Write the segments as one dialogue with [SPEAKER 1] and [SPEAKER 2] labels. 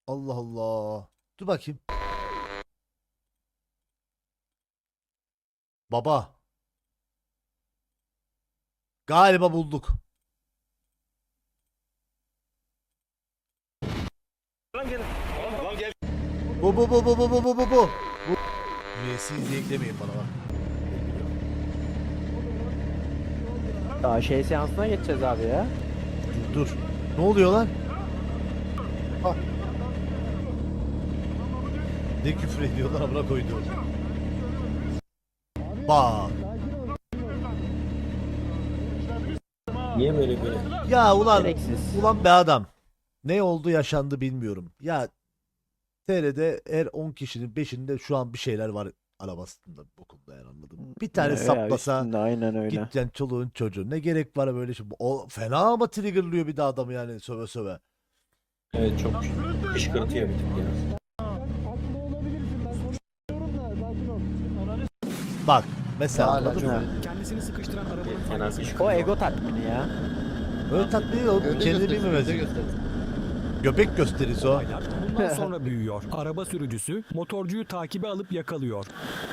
[SPEAKER 1] Allah Allah. Dur bakayım. Baba. Galiba bulduk.
[SPEAKER 2] Lan gel. Lan gel.
[SPEAKER 1] Bu. Üyesiz eklemeyin bana bak.
[SPEAKER 3] Daha şey seansına geçeceğiz abi ya.
[SPEAKER 1] Dur. Ne oluyor lan? Ah. Ne küfür ediyorlar amına koydu. Bak.
[SPEAKER 4] Niye böyle?
[SPEAKER 1] Ya ulan
[SPEAKER 3] Gereksiz.
[SPEAKER 1] ulan be adam. Ne oldu yaşandı bilmiyorum. Ya TR'de her 10 kişinin 5'inde şu an bir şeyler var arabasında bokunda yani anladım. Bir tane
[SPEAKER 3] Ya,
[SPEAKER 1] saplasa
[SPEAKER 3] üstünde, aynen öyle.
[SPEAKER 1] gideceksin çoluğun çocuğun. Ne gerek var böyle şey. O fena ama triggerlıyor bir de adamı yani söve söve.
[SPEAKER 4] Evet çok kışkırtıyor bir tık ya.
[SPEAKER 1] Bak mesela
[SPEAKER 5] Hala
[SPEAKER 1] anladın
[SPEAKER 5] çok-
[SPEAKER 1] mı?
[SPEAKER 6] Kendisini sıkıştıran arabanın
[SPEAKER 4] Fena
[SPEAKER 6] farkında.
[SPEAKER 3] O
[SPEAKER 4] kışkırtıyor.
[SPEAKER 3] ego tatmini ya.
[SPEAKER 1] Öyle tatlı değil o kendini bilmemesi. Göbek gösterisi o.
[SPEAKER 6] Olaylar bundan sonra büyüyor. Araba sürücüsü motorcuyu takibe alıp yakalıyor.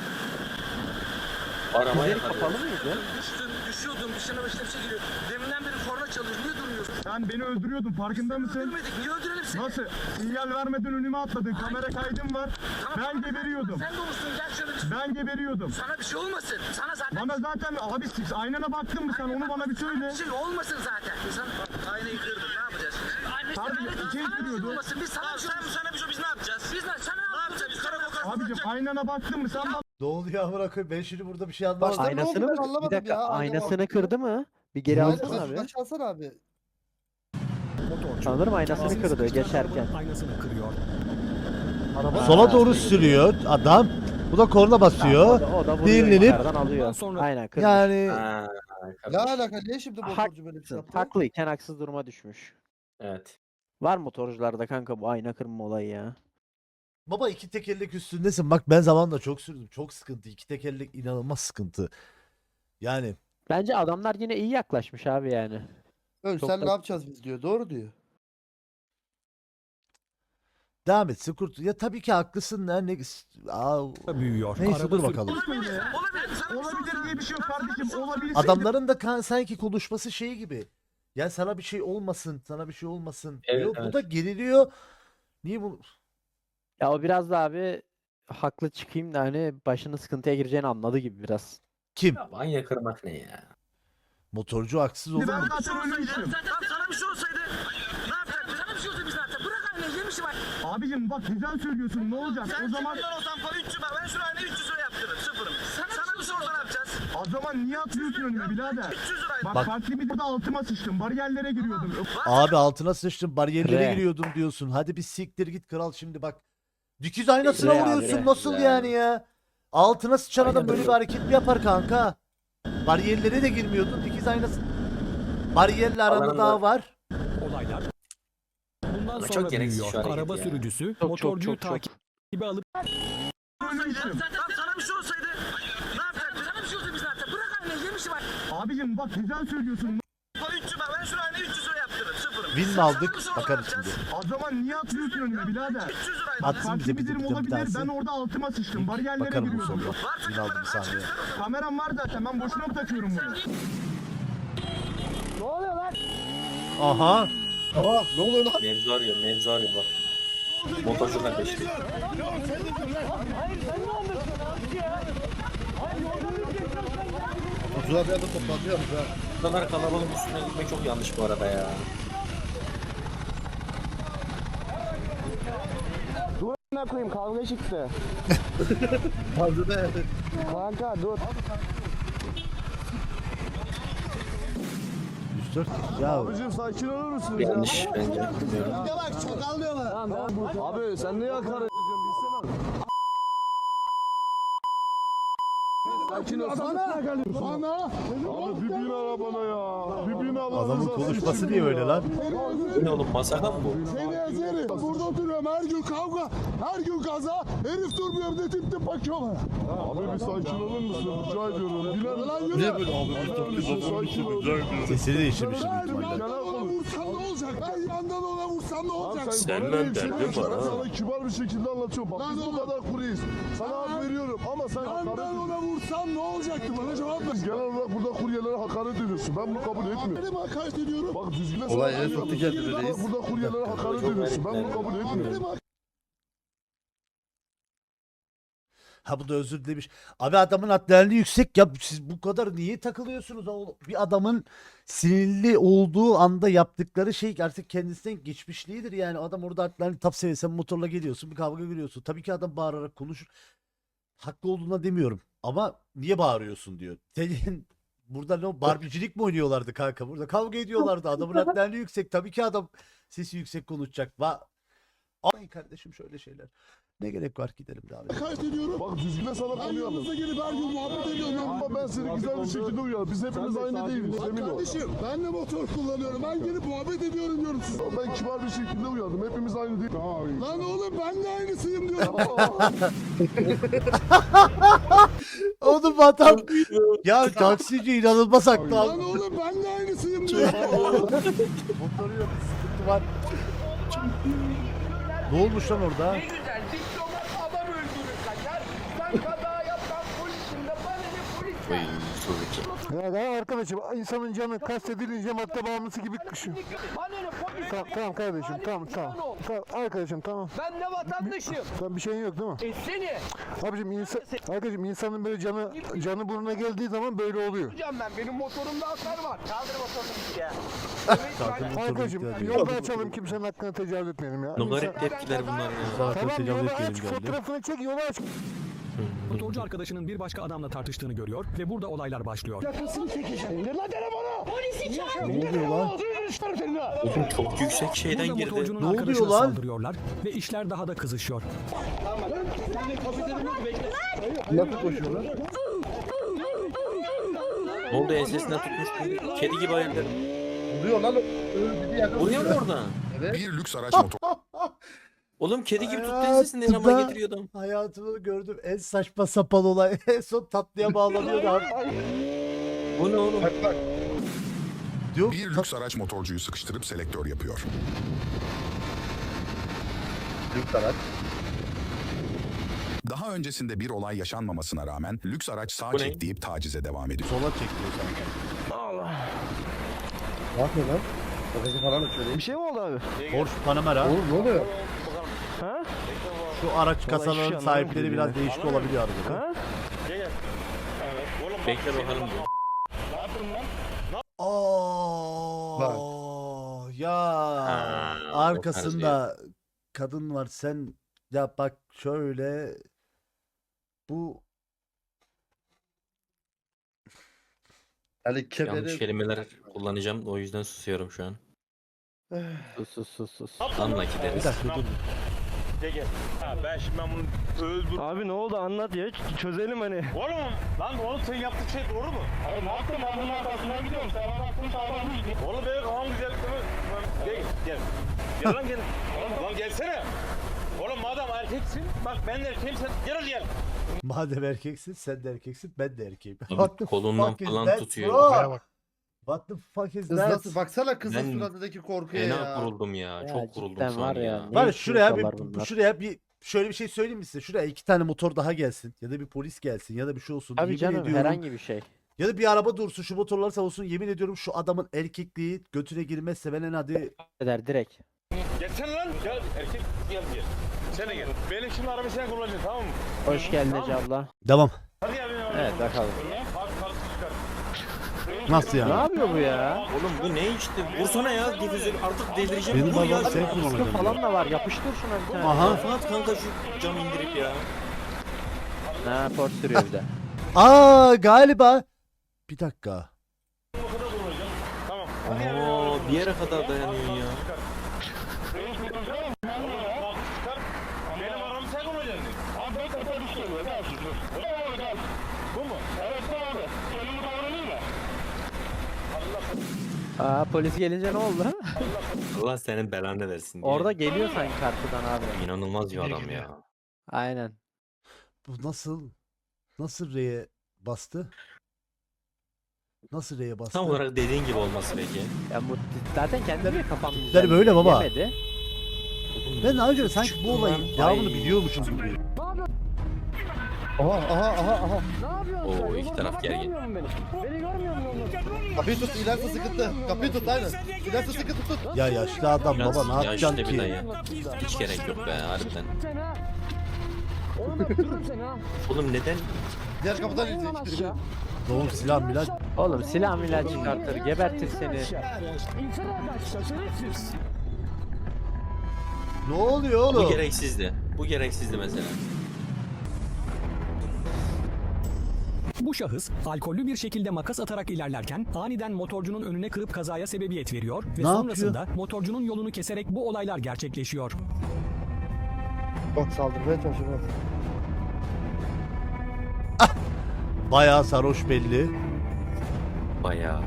[SPEAKER 4] Arabaya
[SPEAKER 3] Gözleri kapalı mıydı?
[SPEAKER 2] Düşüyordum dışına başına bir şey geliyor. Deminden beri korna çalıyor. Niye durmuyorsun?
[SPEAKER 7] Sen beni öldürüyordun farkında mısın?
[SPEAKER 2] Öldürmedik. Niye öldürelim seni?
[SPEAKER 7] Nasıl? Sinyal vermeden önüme atladın. Kamera kaydım var. Ben geberiyordum.
[SPEAKER 2] Sen de olursun gel şöyle bir...
[SPEAKER 7] Ben geberiyordum.
[SPEAKER 2] Sana bir şey olmasın. Sana zaten...
[SPEAKER 7] Bana zaten abi aynana baktın mı sen onu bana bir söyle.
[SPEAKER 2] Bir şey olmasın zaten. İnsan aynayı kırdın. Ne yapacağız?
[SPEAKER 7] Harbi içeri
[SPEAKER 2] Sana bir şey
[SPEAKER 7] giriyordu.
[SPEAKER 2] olmasın. Biz sana bir şey olmasın. Sana bir şey biz ne yapacağız? Biz sana ne yapacağız? Biz karakol
[SPEAKER 7] Abicim aynana baktın mı sen bana
[SPEAKER 1] Ne oluyor amına koyayım ben şimdi burada bir şey anlamadım.
[SPEAKER 5] Başta ne oldu
[SPEAKER 3] Aynasını
[SPEAKER 5] ben
[SPEAKER 3] mı? Bir
[SPEAKER 5] anlamadım
[SPEAKER 3] dakika,
[SPEAKER 5] ya.
[SPEAKER 3] aynasını kırdı mı? Bir geri
[SPEAKER 5] Aynen,
[SPEAKER 3] alsana abi.
[SPEAKER 5] şuradan çalsana abi.
[SPEAKER 6] Motorcu
[SPEAKER 3] Sanırım aynasını
[SPEAKER 6] kendisini
[SPEAKER 3] kırdı
[SPEAKER 6] sıkıştıran
[SPEAKER 3] geçerken.
[SPEAKER 6] arabanın aynasını kırıyor.
[SPEAKER 1] Sola doğru sürüyor adam. Bu da korna basıyor.
[SPEAKER 3] O da vuruyor
[SPEAKER 1] Dinlenip-
[SPEAKER 3] yukarıdan alıyor.
[SPEAKER 6] Sonra-
[SPEAKER 3] Aynen kırmış.
[SPEAKER 1] Yani
[SPEAKER 4] Ha,
[SPEAKER 5] Ne alaka? Niye şimdi motorcu böyle bir şey yaptı?
[SPEAKER 3] Haklıyken haksız duruma düşmüş.
[SPEAKER 4] Evet.
[SPEAKER 3] Var motorcularda kanka bu ayna kırma olayı ya.
[SPEAKER 1] baba iki tekerlek üstündesin. Bak ben zamanla çok sürdüm. Çok sıkıntı. İki tekerlek inanılmaz sıkıntı. Yani
[SPEAKER 3] Bence adamlar yine iyi yaklaşmış abi yani.
[SPEAKER 5] Ölsen
[SPEAKER 3] Çok da-
[SPEAKER 5] ne yapacağız biz diyor. Doğru diyor.
[SPEAKER 1] devam etsin kurt. Ya tabii ki haklısın lan.
[SPEAKER 6] büyüyor.
[SPEAKER 1] Neyse
[SPEAKER 6] Araba
[SPEAKER 1] dur bakalım.
[SPEAKER 2] Olabilir. Olabilir. Sana bir şey
[SPEAKER 7] olabilir diye bir şey yok kardeşim. Olabilir.
[SPEAKER 1] Adamların da sanki konuşması şey gibi. Ya sana bir şey olmasın, sana bir şey olmasın
[SPEAKER 4] Evet,
[SPEAKER 1] diyor. Bu
[SPEAKER 4] evet.
[SPEAKER 1] da geriliyor. Niye bu?
[SPEAKER 3] Ya o biraz da abi haklı çıkayım da hani başının sıkıntıya gireceğini anladı gibi biraz.
[SPEAKER 1] Kim?
[SPEAKER 4] Ya manya kırmak ne ya?
[SPEAKER 1] Motorcu haksız olur
[SPEAKER 7] Ben
[SPEAKER 1] mu?
[SPEAKER 7] zaten ölmüştüm.
[SPEAKER 2] Zaten sana bir şey olsaydı ne yapacaktık? Sana bir şey olsaydı biz ne yapacaktık? Bırak aynayı yemişim bak.
[SPEAKER 7] Abicim bak güzel söylüyorsun ne olacak?
[SPEAKER 2] Sen
[SPEAKER 7] O zaman
[SPEAKER 2] kimden olsan falan 300 ben şu aynayı 300 lira yaptırırım. Sıfırım. Sana bir şey olsa ne yapacağız?
[SPEAKER 7] o zaman niye atıyorsun önüme birader?
[SPEAKER 2] 300 liraydı.
[SPEAKER 7] Bak,
[SPEAKER 1] Bak.
[SPEAKER 7] farklı bir burada altıma sıçtım. Bariyerlere giriyordum.
[SPEAKER 1] Abi altına sıçtım, bariyerlere
[SPEAKER 3] Re.
[SPEAKER 1] giriyordum diyorsun. Hadi bir siktir git kral şimdi bak. Dikiz aynasına
[SPEAKER 3] Re abi,
[SPEAKER 1] vuruyorsun
[SPEAKER 3] re.
[SPEAKER 1] nasıl
[SPEAKER 4] Re.
[SPEAKER 1] yani ya? Altına sıçan adam
[SPEAKER 4] Aynen
[SPEAKER 1] böyle bir
[SPEAKER 4] öyle.
[SPEAKER 1] hareket mi yapar kanka? Bariyerlere de girmiyordun. Dikiz aynası. Bariyerle aranda
[SPEAKER 4] Alanında-
[SPEAKER 1] daha var.
[SPEAKER 6] Olaylar bundan
[SPEAKER 4] Ama
[SPEAKER 6] sonra
[SPEAKER 4] çok gereksiz
[SPEAKER 6] büyüyor.
[SPEAKER 4] şu hareket
[SPEAKER 6] Araba
[SPEAKER 4] ya.
[SPEAKER 6] sürücüsü
[SPEAKER 3] Çok,
[SPEAKER 6] motorcuyu
[SPEAKER 3] çok, çok.
[SPEAKER 6] takibe alıp
[SPEAKER 7] Ölmüştüm.
[SPEAKER 2] Sana bir şey olsaydı ne yapacaktık? Sana bir şey olsaydı biz ne yapacaktık? Bırak aynayı yemişim bak.
[SPEAKER 7] Abicim bak güzel söylüyorsun.
[SPEAKER 2] 300 ben şu aynayı 300 lira yaptırırım. Sıfırım.
[SPEAKER 1] Win mi
[SPEAKER 2] Sana
[SPEAKER 1] aldık?
[SPEAKER 2] bir şey olsa ne
[SPEAKER 1] Bakarız
[SPEAKER 2] yapacağız?
[SPEAKER 1] şimdi.
[SPEAKER 7] O zaman niye atıyorsun önüme birader?
[SPEAKER 2] 300 liraydı.
[SPEAKER 1] Atsın
[SPEAKER 7] Farklı
[SPEAKER 1] bize
[SPEAKER 7] bir
[SPEAKER 1] bir
[SPEAKER 7] durum
[SPEAKER 1] bir
[SPEAKER 7] olabilir.
[SPEAKER 1] tanesi.
[SPEAKER 7] Ben orada altıma sıçtım. Bariyerlere
[SPEAKER 1] Bakarım bu
[SPEAKER 7] giriyordum.
[SPEAKER 1] soruya. Win aldım bir saniye.
[SPEAKER 7] Kameram var zaten. Ben boşuna mı takıyorum bunu?
[SPEAKER 1] Aha.
[SPEAKER 5] Aa ne oluyor lan?
[SPEAKER 4] Mevzu arıyor bak. Motorcu kardeşim.
[SPEAKER 5] Motorcular bir anda toplanıyormuş ha.
[SPEAKER 4] Bu kadar kalabalığın üstüne gitmek çok yanlış bu arada ya.
[SPEAKER 8] Ne koyayım kavga çıktı.
[SPEAKER 5] Fazla da
[SPEAKER 8] Kanka dur.
[SPEAKER 1] 104 kişi ya.
[SPEAKER 8] Abicim sakin olur musunuz ya?
[SPEAKER 4] Yanlış bence. Bilmiyorum.
[SPEAKER 8] Abi sen niye hakaret ediyorsun bilsene. Sakin ol. Bana. Abi bir bin arabana ya. Bir bin
[SPEAKER 1] Adamın konuşması niye öyle lan?
[SPEAKER 4] Bu ne oğlum masaka mı bu?
[SPEAKER 8] Seni ezerim. Burada oturuyorum. Durmuyorum, her gün kavga, her gün kaza. Herif durmuyor, bir de tip tip bakıyor bana. Abi bir sakin olur musun? Rica ediyorum. Biner lan yürü.
[SPEAKER 5] Niye böyle abi?
[SPEAKER 8] Sakin ol.
[SPEAKER 1] Sesini değiştirmişim büyük
[SPEAKER 8] Ben
[SPEAKER 1] ihtimalle.
[SPEAKER 8] yandan ona vursam ne olacak? Ben yandan ona vursam ne olacak?
[SPEAKER 4] Senden
[SPEAKER 8] Bana
[SPEAKER 4] derdim
[SPEAKER 8] bir şey
[SPEAKER 4] var ha.
[SPEAKER 8] Sana kibar bir şekilde anlatıyorum. Bak
[SPEAKER 5] Lan
[SPEAKER 8] biz bu
[SPEAKER 5] oğlum.
[SPEAKER 8] kadar kuruyuz. Sana hak veriyorum ama sen hakaret
[SPEAKER 5] Yandan
[SPEAKER 8] ediyorsun.
[SPEAKER 5] ona vursam ne olacaktı? Bana cevap ver.
[SPEAKER 8] Genel olarak burada kuryelere hakaret ediyorsun. Ben bunu kabul etmiyorum.
[SPEAKER 5] Benim hakaret ediyorum.
[SPEAKER 8] Bak düzgün
[SPEAKER 5] Olay en soktu kendini
[SPEAKER 8] Bak
[SPEAKER 5] reis.
[SPEAKER 8] burada kuryelere hakaret ediyorsun. Ben bunu kabul etmiyorum.
[SPEAKER 1] Ha bu da özür dilemiş. Abi adamın adrenalini yüksek ya, siz bu kadar niye takılıyorsunuz? Bir adamın sinirli olduğu anda yaptıkları şey artık kendisinden geçmişliğidir yani. Adam orada adrenalin tap seviyesen motorla geliyorsun, bir kavga görüyorsun. Tabii ki adam bağırarak konuşur. Haklı olduğuna demiyorum ama niye bağırıyorsun diyor. Senin burada ne o barbicilik mi oynuyorlardı kanka? Burada kavga ediyorlardı. Adamın adrenalini yüksek. Tabii ki adam sesi yüksek konuşacak. Ay kardeşim şöyle şeyler. Ne gerek var, gidelim daha.
[SPEAKER 5] Hakaret ediyorum.
[SPEAKER 8] Bak düzgün sana
[SPEAKER 5] Ben
[SPEAKER 8] konuyu
[SPEAKER 5] yanınıza gelip her gün muhabbet ediyorum.
[SPEAKER 8] Ama ben seni güzel bir şekilde uyarım. Biz hepimiz aynı değiliz.
[SPEAKER 5] Bak
[SPEAKER 8] Emin ol.
[SPEAKER 5] kardeşim ben de motor kullanıyorum. Ben gelip muhabbet ediyorum diyorum size.
[SPEAKER 8] Ben kibar bir şekilde uyardım. Hepimiz aynı değil.
[SPEAKER 5] Lan oğlum ben de aynısıyım diyorum.
[SPEAKER 1] Oğlum adam ya taksici inanılmaz haklı
[SPEAKER 5] Lan
[SPEAKER 1] abi.
[SPEAKER 5] oğlum ben de aynısıyım diyorum.
[SPEAKER 1] Motoru yok, sıkıntı var. Ne olmuş lan orada?
[SPEAKER 2] Ne güzel diplomat adam öldürür kaçar. Ben kaza yapsam polisim de bana ne polis
[SPEAKER 8] Ya arkadaşım insanın canı kastedilince madde bağımlısı gibi kışıyor.
[SPEAKER 2] Bana ne polis.
[SPEAKER 8] Tamam kardeşim tamam. Arkadaşım tamam.
[SPEAKER 2] Ben ne vatandaşım.
[SPEAKER 8] Tamam bir şeyin yok değil mi?
[SPEAKER 2] Seni
[SPEAKER 8] Arkadaşım insanın böyle canı burnuna geldiği zaman böyle oluyor.
[SPEAKER 2] tutacağım ben. Benim motorumda hasar var. Kaldır motorunu git ya.
[SPEAKER 1] Zaten motoru
[SPEAKER 8] Arkadaşım
[SPEAKER 1] gitti diyor.
[SPEAKER 8] yolda açalım kimsenin hakkına tecavüz etmeyelim ya.
[SPEAKER 4] Garip tepkiler bunlar ya.
[SPEAKER 1] Zaten
[SPEAKER 8] Tamam
[SPEAKER 1] tecavüz
[SPEAKER 8] yolu
[SPEAKER 1] etmeyelim
[SPEAKER 8] aç
[SPEAKER 1] geldi.
[SPEAKER 8] fotoğrafını çek yolu aç.
[SPEAKER 6] Motorcu arkadaşının bir başka adamla tartıştığını görüyor ve burada olaylar başlıyor.
[SPEAKER 8] Yakasını çekeceğim. İndir lan telefonu.
[SPEAKER 1] Ne oluyor lan?
[SPEAKER 4] Oğlum çok yüksek şeyden
[SPEAKER 6] Burada
[SPEAKER 4] girdi.
[SPEAKER 6] motorcunun
[SPEAKER 1] Ne oluyor
[SPEAKER 6] arkadaşına
[SPEAKER 1] lan?
[SPEAKER 6] saldırıyorlar ve işler daha da kızışıyor.
[SPEAKER 5] Nasıl koşuyorlar?
[SPEAKER 4] Ne oldu ensesinden tutmuş. Kedi gibi ayırdı.
[SPEAKER 5] Vuruyor lan. Öldü diye.
[SPEAKER 4] Vuruyor mu oradan?
[SPEAKER 9] Bir lüks araç motor.
[SPEAKER 4] Oğlum kedi gibi tuttu
[SPEAKER 1] Hayatımda-
[SPEAKER 4] ensesinden ama getiriyor adam.
[SPEAKER 1] Hayatımda gördüğüm en saçma sapan olay. En son tatlıya bağlanıyor abi.
[SPEAKER 4] Bu ne oğlum?
[SPEAKER 1] Diyor,
[SPEAKER 9] Bir lüks araç motorcuyu sıkıştırıp selektör yapıyor.
[SPEAKER 5] Lüks araç.
[SPEAKER 9] Daha öncesinde bir olay yaşanmamasına rağmen lüks araç sağ
[SPEAKER 4] Bu ne?
[SPEAKER 9] çek deyip tacize devam ediyor.
[SPEAKER 1] sola çekiyor sanki.
[SPEAKER 5] Ne yapıyor lan? Bagajı falan açıyor.
[SPEAKER 8] Bir şey mi oldu abi?
[SPEAKER 1] Porsche Panamera.
[SPEAKER 5] Oğlum ne oluyor?
[SPEAKER 1] Şu araç kasaların sahipleri biraz değişik olabiliyor arada.
[SPEAKER 8] Ha?
[SPEAKER 4] Bekle bakalım diyor.
[SPEAKER 1] Ya
[SPEAKER 4] Ha,
[SPEAKER 1] arkasında kadın var, sen ya bak şöyle bu
[SPEAKER 5] Yani
[SPEAKER 4] Yanlış
[SPEAKER 5] kemeri.
[SPEAKER 4] kelimeler kullanacağım o yüzden susuyorum şu an.
[SPEAKER 3] Sus.
[SPEAKER 4] Anla
[SPEAKER 1] bir
[SPEAKER 4] gideriz.
[SPEAKER 1] dakika dur.
[SPEAKER 8] Abi ne oldu anlat ya çözelim hani.
[SPEAKER 7] Oğlum lan oğlum sen yaptığın şey doğru mu? Abi ne yaptın ben bunun arkasından gidiyorum. Sen bana aklını sağlam değil. Oğlum benim kafam güzel değil mi? Gel. Gel lan gel. Lan gelsene. Oğlum madem erkeksin bak ben de erkeğim sen gel.
[SPEAKER 1] Madem erkeksin, sen de erkeksin, ben de erkeğim.
[SPEAKER 4] Abi
[SPEAKER 1] What the
[SPEAKER 4] kolundan
[SPEAKER 1] fuck is
[SPEAKER 4] falan
[SPEAKER 1] that,
[SPEAKER 4] tutuyor.
[SPEAKER 1] bro? What the fuck is
[SPEAKER 5] Kız
[SPEAKER 1] that?
[SPEAKER 5] nasıl? Baksana kızın
[SPEAKER 4] Ben
[SPEAKER 5] suratındaki korkuya
[SPEAKER 4] Fena
[SPEAKER 5] ya.
[SPEAKER 4] kuruldum ya.
[SPEAKER 3] Ya
[SPEAKER 4] Çok kuruldum
[SPEAKER 3] cidden
[SPEAKER 4] şu
[SPEAKER 3] var
[SPEAKER 4] an
[SPEAKER 3] ya.
[SPEAKER 4] ya.
[SPEAKER 3] Ne
[SPEAKER 1] Var şuraya bir
[SPEAKER 3] yaşıyorlar bunlar?
[SPEAKER 1] şuraya bir şöyle bir şey söyleyeyim mi size? Şuraya 2 tane motor daha gelsin ya da bir polis gelsin ya da bir şey olsun.
[SPEAKER 3] Abi
[SPEAKER 1] Yemin
[SPEAKER 3] canım
[SPEAKER 1] ediyorum.
[SPEAKER 3] herhangi bir şey.
[SPEAKER 1] Ya da bir araba dursun, şu motorlar sağ olsun, yemin ediyorum şu adamın erkekliği götüne girmezse ben en hadi
[SPEAKER 3] Eder direkt.
[SPEAKER 7] Gelsene lan. Gel erkek gel. Sen de gel. Benim şimdi arabayı sen kullanacaksın tamam mı?
[SPEAKER 3] Hoş geldin Ece abla.
[SPEAKER 1] devam.
[SPEAKER 7] Hadi gel benim
[SPEAKER 3] Evet bakalım.
[SPEAKER 7] Kalk çıkar.
[SPEAKER 1] Nasıl
[SPEAKER 3] Ne
[SPEAKER 1] yani?
[SPEAKER 3] yapıyor bu ya?
[SPEAKER 4] Oğlum bu ne işte? Vursana ya difüzör artık delireceğim.
[SPEAKER 1] Benim
[SPEAKER 4] Vur ya.
[SPEAKER 1] babam sen
[SPEAKER 3] Kaskı
[SPEAKER 1] kullanacaksın.
[SPEAKER 3] falan da var. Yapıştır şuna bir tane.
[SPEAKER 1] Aha.
[SPEAKER 4] Kafa at kanka şu cam indirip ya.
[SPEAKER 3] Ha port sürüyor bir de.
[SPEAKER 1] Galiba. Bir dakika.
[SPEAKER 7] Tamam.
[SPEAKER 4] Aa bir yere kadar dayanıyor ya.
[SPEAKER 7] Benim arabamı sen kullanacaksın. Abi ben kafa düşüyorum. Bu mu? Evet abi. Senin bu davranıyor mu?
[SPEAKER 3] Aa, polis gelince ne oldu?
[SPEAKER 4] Allah senin belanı versin diye.
[SPEAKER 3] Orada geliyor sanki karşıdan abi.
[SPEAKER 4] İnanılmaz bir adam ya.
[SPEAKER 3] Aynen.
[SPEAKER 1] Bu nasıl R'ye bastı? Nasıl R'ye bastı?
[SPEAKER 4] Tam olarak dediğin gibi olması peki.
[SPEAKER 3] Ya bu zaten kendileri kafam
[SPEAKER 1] tipleri böyle baba.
[SPEAKER 3] Yemedi.
[SPEAKER 1] Ben daha önce sanki bu olayın devamını biliyormuşum gibi.
[SPEAKER 4] Oo iki taraf gergin.
[SPEAKER 2] Kapıyı tut, ilerisi sıkıntı. Kapıyı tut, aynen. İlerisi sıkıntı tut.
[SPEAKER 1] Ya yaşlı adam
[SPEAKER 4] Biraz
[SPEAKER 1] baba ne yapacaksın
[SPEAKER 4] yaşlı bir
[SPEAKER 1] ki?
[SPEAKER 4] dayı. Hiç gerek yok be harbiden.
[SPEAKER 10] Oğlum öldürürüm seni ha.
[SPEAKER 4] Oğlum neden?
[SPEAKER 2] Diğer kapıdan
[SPEAKER 10] İn lan
[SPEAKER 2] inecek.
[SPEAKER 10] aşağı.
[SPEAKER 1] Doğum silah milah.
[SPEAKER 3] Oğlum silah milah çıkartır, gebertir seni.
[SPEAKER 10] İnsene aşağı, şerefsiz.
[SPEAKER 1] Ne oluyor
[SPEAKER 4] Bu
[SPEAKER 1] oğlum?
[SPEAKER 4] gereksizdi. Bu gereksizdi mesela.
[SPEAKER 6] Bu şahıs alkollü bir şekilde makas atarak ilerlerken aniden motorcunun önüne kırıp kazaya sebebiyet veriyor ve
[SPEAKER 1] Ne
[SPEAKER 6] sonrasında motorcunun yolunu keserek bu olaylar gerçekleşiyor.
[SPEAKER 2] Bak saldırmaya çalışıyor.
[SPEAKER 1] Bayağı sarhoş belli.
[SPEAKER 4] Bayağı.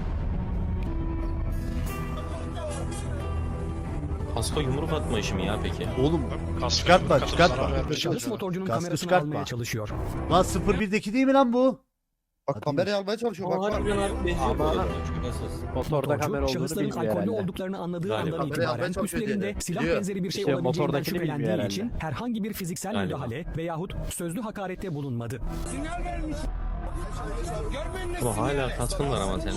[SPEAKER 4] Kaska yumruk atma işi mi ya peki?
[SPEAKER 1] Oğlum çıkartma.
[SPEAKER 6] Şahıs motorcunun
[SPEAKER 1] Kaskı
[SPEAKER 6] kamerasını
[SPEAKER 1] çıkartma.
[SPEAKER 6] almaya çalışıyor.
[SPEAKER 1] Lan 01'deki değil mi lan bu?
[SPEAKER 2] Bak kamerayı almaya çalışıyor. Bak bak.
[SPEAKER 3] Ama motorda kamera
[SPEAKER 6] Motorcu
[SPEAKER 3] olduğunu
[SPEAKER 6] şahısların
[SPEAKER 3] bilmiyor
[SPEAKER 6] alkollü
[SPEAKER 3] herhalde.
[SPEAKER 6] olduklarını anladığı
[SPEAKER 4] Galiba.
[SPEAKER 6] andan
[SPEAKER 2] Kamerayı almaya
[SPEAKER 6] itibaren
[SPEAKER 2] çalışıyor
[SPEAKER 6] üstlerinde
[SPEAKER 2] diye.
[SPEAKER 6] silah
[SPEAKER 2] Biliyor.
[SPEAKER 6] benzeri bir şey
[SPEAKER 3] İşte
[SPEAKER 6] olabileceğinden
[SPEAKER 3] motordaki bilmiyor
[SPEAKER 6] şüphelendiği
[SPEAKER 3] herhalde.
[SPEAKER 6] için herhangi bir fiziksel
[SPEAKER 4] Galiba.
[SPEAKER 6] müdahale veyahut sözlü hakarette bulunmadı.
[SPEAKER 4] Ama hala kaskın var ama senin.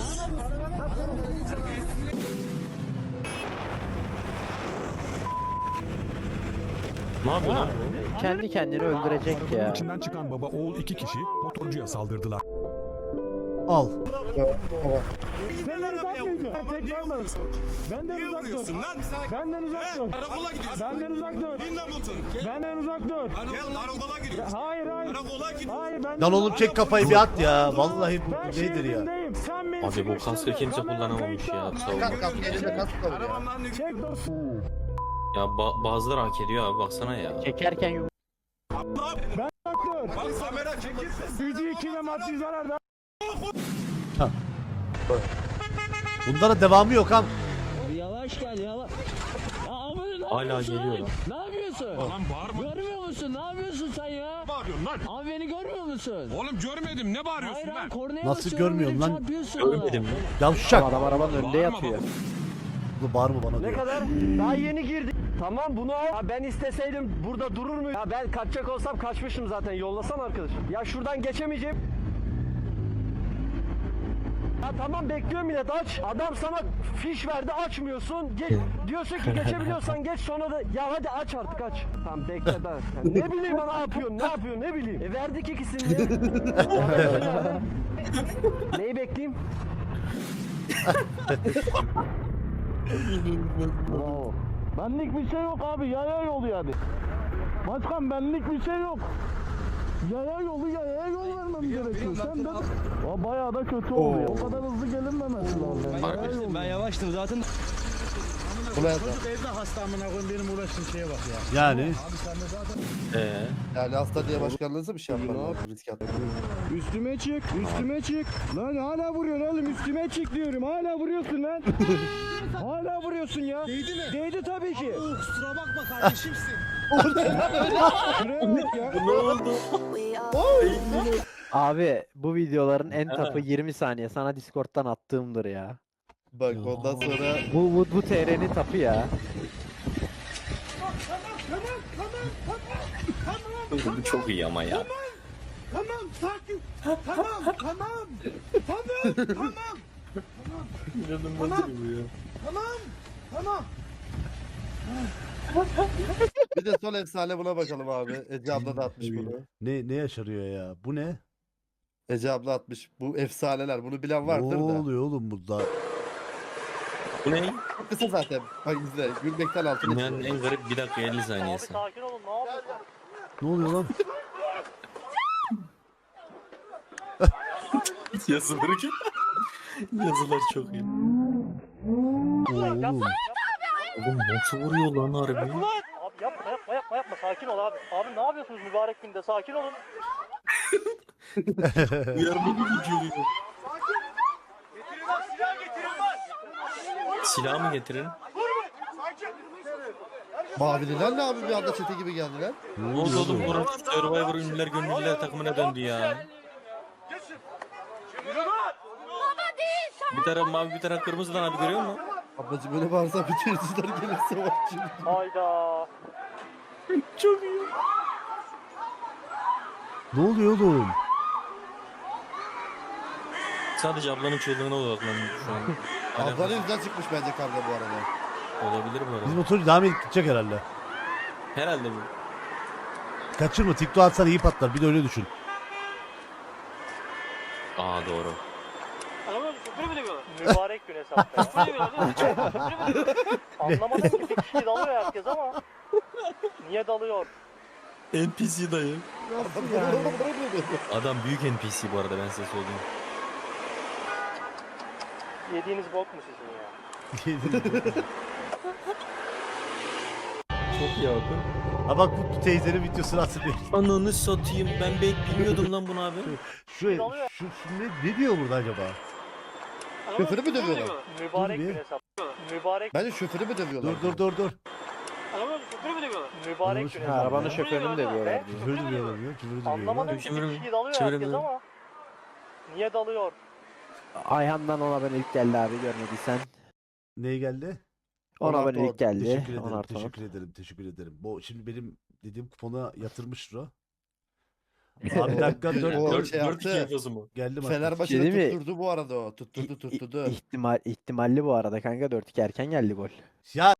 [SPEAKER 4] Ne yapıyor lan bu?
[SPEAKER 3] Kendi kendini öldürecek
[SPEAKER 6] Arabanın
[SPEAKER 3] ya.
[SPEAKER 6] içinden çıkan baba oğul iki kişi motorcuya saldırdılar.
[SPEAKER 1] Al.
[SPEAKER 10] Benden uzak dur. Benden uzak dur. Benden uzak dur.
[SPEAKER 7] Karakola gidiyorsun.
[SPEAKER 10] Benden uzak dur.
[SPEAKER 7] Bin Hamilton.
[SPEAKER 10] Benden uzak dur.
[SPEAKER 7] Karakola gidiyorsun.
[SPEAKER 10] Hayır hayır.
[SPEAKER 7] Karakola gidiyorsun.
[SPEAKER 10] Hayır ben.
[SPEAKER 1] Lan oğlum çek kafayı bir at ya. Vallahi bu nedir ya?
[SPEAKER 4] Abi bu kaskı kimse kullanamamış ya.
[SPEAKER 2] Kas kas elinde kas kalıyor.
[SPEAKER 7] Arabamdan ne
[SPEAKER 10] Çek dur.
[SPEAKER 4] Ya bazıları hak ediyor abi baksana ya.
[SPEAKER 3] Çekerken yumruk.
[SPEAKER 10] Ben uzak dur.
[SPEAKER 7] Bak kamera çekilsin.
[SPEAKER 10] Gücü iki ve maddi zarar.
[SPEAKER 1] Bunlara devamı yok ha.
[SPEAKER 10] Yavaş gel yavaş. Ya abi ne
[SPEAKER 4] Hala
[SPEAKER 10] yapıyorsun?
[SPEAKER 4] geliyor lan.
[SPEAKER 10] Ne yapıyorsun?
[SPEAKER 7] Lan bağırma.
[SPEAKER 10] Görmüyor musun? Ne yapıyorsun sen ya?
[SPEAKER 7] Ne bağırıyorsun lan?
[SPEAKER 10] Abi beni görmüyor musun?
[SPEAKER 7] Oğlum görmedim ne bağırıyorsun
[SPEAKER 10] Hayır
[SPEAKER 7] lan?
[SPEAKER 10] lan kornaya
[SPEAKER 1] Nasıl
[SPEAKER 10] basıyorum,
[SPEAKER 1] görmüyorsun
[SPEAKER 10] beni
[SPEAKER 1] lan?
[SPEAKER 10] çarpıyorsun.
[SPEAKER 4] Görmedim mi?
[SPEAKER 1] Yavşak.
[SPEAKER 3] Adam arabanın önünde yatıyor.
[SPEAKER 1] Bu bağırma bana diyor.
[SPEAKER 10] kadar? Daha yeni girdik. Tamam bunu al. Ya ben isteseydim burada durur muyum? Ya ben kaçacak olsam kaçmışım zaten. Yollasana arkadaşım. Ya şuradan geçemeyeceğim. Ya tamam bekliyorum millet aç. Adam sana fiş verdi açmıyorsun. Diyorsun ki geçebiliyorsan geç sonra da ya hadi aç artık aç. Tamam bekle ben. Ya ne bileyim ben ne yapıyorsun ne bileyim. Verdik ikisini de. Neyi bekleyeyim? Bravo. Benlik bir şey yok abi. Yaya yolu yani. Başkan benlik bir şey yok. Yaya yol vermem gerekiyor. Sen de o bayağı da kötü oluyor. O kadar hızlı gelinmemesi lazım. Ben yavaştım zaten.
[SPEAKER 1] Yani
[SPEAKER 2] Yani hasta diye başkanlığınızı bir şey yapmam. Risk atma.
[SPEAKER 10] Üstüme çık. Lan hala vuruyorsun oğlum. Üstüme çık diyorum. Hala vuruyorsun lan. Hala vuruyorsun ya. Değdi mi? Değdi tabii ki. Kusura bakma kardeşimsin.
[SPEAKER 4] Ne oldu?
[SPEAKER 3] Abi bu videoların en tapı 20 saniye. Sana Discord'dan attığımdır ya.
[SPEAKER 2] Bak ondan sonra
[SPEAKER 3] Bu TR'nin tapı ya.
[SPEAKER 4] Bu çok iyi ama ya.
[SPEAKER 5] Tamam sakin. Tamam.
[SPEAKER 2] bir de son efsane buna bakalım abi. Ece abla da atmış bunu.
[SPEAKER 1] ne yaşarıyor ya? Bu ne?
[SPEAKER 2] Ece abla atmış. Bu efsaneler. Bunu bilen
[SPEAKER 1] Ne
[SPEAKER 2] vardır da.
[SPEAKER 1] oluyor oğlum burada?
[SPEAKER 4] Bu ne?
[SPEAKER 2] Çok kısa zaten. Bak izle. Gülmekten altına
[SPEAKER 4] Dünyanın
[SPEAKER 2] çıkıyor.
[SPEAKER 4] en garip 1 dakika 50 saniyesi.
[SPEAKER 1] Ne oluyor lan?
[SPEAKER 4] Yazıları ki. Yazılar çok iyi.
[SPEAKER 1] Oğlum.
[SPEAKER 4] Oğlum nasıl vuruyor lan harbi?
[SPEAKER 11] Abi yapma sakin ol abi. Abi ne yapıyorsunuz mübarek günde sakin olun.
[SPEAKER 4] Uyarma gibi geliyor.
[SPEAKER 11] Getirin lan silah getirin lan.
[SPEAKER 4] Silah mı getirin?
[SPEAKER 2] Mavililer ne abi bir anda çete gibi geldiler.
[SPEAKER 4] Ne oldu oğlum buranın Survivor ünlüler gönüllüler takımına döndü ya. Bir taraf mavi bir taraf kırmızı lan abi görüyor musun?
[SPEAKER 2] Ablacım böyle bağırsa bütün hırsızlar gelirse var şimdi.
[SPEAKER 11] Hayda.
[SPEAKER 1] Ne oluyor oğlum?
[SPEAKER 4] Sadece ablanın çığlığına odaklandım şu an.
[SPEAKER 2] Ablanın yüzünden çıkmış bence kavga bu arada.
[SPEAKER 4] Olabilir bu
[SPEAKER 1] Biz
[SPEAKER 4] arada.
[SPEAKER 1] motoru devam edip gidecek herhalde.
[SPEAKER 4] Herhalde bu.
[SPEAKER 1] Kaçırma, TikTok atsan iyi patlar. Bir de öyle düşün.
[SPEAKER 4] Aa doğru.
[SPEAKER 11] Mübarek gün hesapta ya. Anlamadım ki bir kişi dalıyor herkes ama. Niye dalıyor?
[SPEAKER 4] NPC dayı. Adam büyük NPC bu arada ben size söyleyeyim.
[SPEAKER 11] Yediğiniz bok mu sizin ya?
[SPEAKER 4] Çok iyi abi.
[SPEAKER 1] Ha bak bu teyzenin videosunu hatırlayın.
[SPEAKER 4] Ananı satayım ben bilmiyordum lan bunu abi.
[SPEAKER 1] Şu ne diyor burada acaba?
[SPEAKER 2] Şoförü mü dövüyorlar?
[SPEAKER 11] Mübarek
[SPEAKER 1] Dur bir.
[SPEAKER 11] gün hesapta. Mübarek.
[SPEAKER 2] Bence şoförü mü dövüyorlar?
[SPEAKER 1] Dur.
[SPEAKER 11] Mübarek gün
[SPEAKER 3] Ha,
[SPEAKER 11] hesapta.
[SPEAKER 3] arabanın şoförünü de diyorlar.
[SPEAKER 11] Ne?
[SPEAKER 1] Küfür duyuyorlar diyor. Küfür duyuyorlar.
[SPEAKER 11] Anlamadım ki bir
[SPEAKER 4] Çevirin-
[SPEAKER 11] kişi dalıyor
[SPEAKER 4] çevirin
[SPEAKER 11] herkes
[SPEAKER 4] bunu.
[SPEAKER 11] ama. Niye dalıyor?
[SPEAKER 3] Ayhan'dan ona ben ilk geldi abi görmediysen.
[SPEAKER 1] Neye geldi?
[SPEAKER 3] Ona ben ilk geldi.
[SPEAKER 1] Teşekkür ederim.
[SPEAKER 3] 10 artı on.
[SPEAKER 1] Teşekkür ederim. Bu şimdi benim dediğim kupona yatırmıştır o. Abi dakika
[SPEAKER 2] O
[SPEAKER 1] 4
[SPEAKER 2] şey yaptı.
[SPEAKER 4] yapıyorsun mu?
[SPEAKER 1] geldim.
[SPEAKER 2] Fenerbahçe'de
[SPEAKER 3] Şey değil mi?
[SPEAKER 2] tutturdu bu arada o. Tutturdu.
[SPEAKER 3] İhtimalli bu arada kanka 4-2 erken geldi gol.
[SPEAKER 1] Ya